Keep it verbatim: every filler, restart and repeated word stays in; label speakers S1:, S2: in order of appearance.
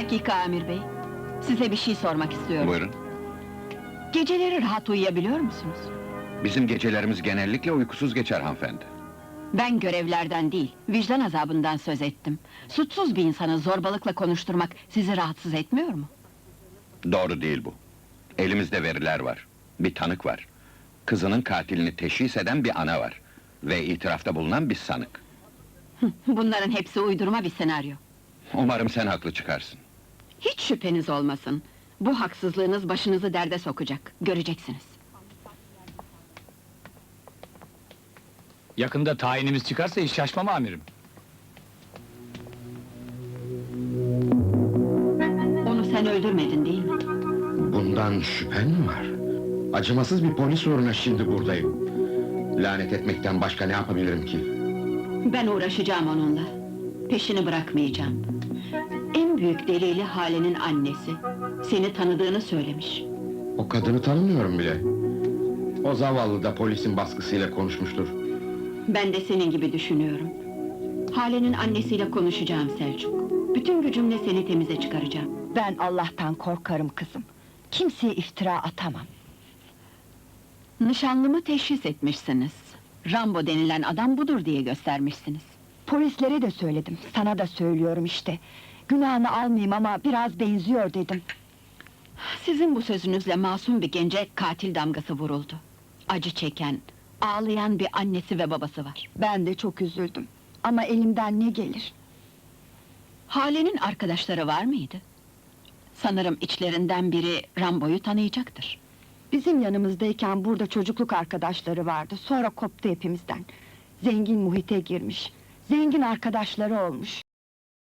S1: dakika Amir bey. Size bir şey sormak istiyorum.
S2: Buyurun.
S1: Geceleri rahat uyuyabiliyor musunuz?
S2: Bizim gecelerimiz genellikle uykusuz geçer hanımefendi.
S1: Ben görevlerden değil, vicdan azabından söz ettim. Suçsuz bir insanı zorbalıkla konuşturmak sizi rahatsız etmiyor mu?
S2: Doğru değil bu. Elimizde veriler var. Bir tanık var. Kızının katilini teşhis eden bir ana var. Ve itirafta bulunan bir sanık.
S1: Bunların hepsi uydurma bir senaryo.
S2: Umarım sen haklı çıkarsın.
S1: Hiç şüpheniz olmasın. Bu haksızlığınız başınızı derde sokacak, göreceksiniz.
S3: Yakında tayinimiz çıkarsa hiç şaşmam amirim.
S1: Onu sen öldürmedin değil mi?
S4: Bundan şüphen mi var? Acımasız bir polis uğruna şimdi buradayım. Lanet etmekten başka ne yapabilirim ki?
S1: Ben uğraşacağım onunla. Peşini bırakmayacağım. En büyük delili Hale'nin annesi. Seni tanıdığını söylemiş.
S4: O kadını tanımıyorum bile. O zavallı da polisin baskısıyla konuşmuştur.
S1: Ben de senin gibi düşünüyorum. Hale'nin annesiyle konuşacağım Selçuk. Bütün gücümle seni temize çıkaracağım.
S5: Ben Allah'tan korkarım kızım. Kimseye iftira atamam.
S1: Nişanlımı teşhis etmişsiniz. Rambo denilen adam budur diye göstermişsiniz.
S5: Polislere de söyledim, sana da söylüyorum işte. Günahını almayayım ama biraz benziyor dedim.
S1: Sizin bu sözünüzle masum bir gence katil damgası vuruldu. Acı çeken, ağlayan bir annesi ve babası var.
S5: Ben de çok üzüldüm. Ama elimden ne gelir?
S1: Hale'nin arkadaşları var mıydı? Sanırım içlerinden biri Rambo'yu tanıyacaktır.
S5: Bizim yanımızdayken burada çocukluk arkadaşları vardı, sonra koptu hepimizden. Zengin muhite girmiş, zengin arkadaşları olmuş.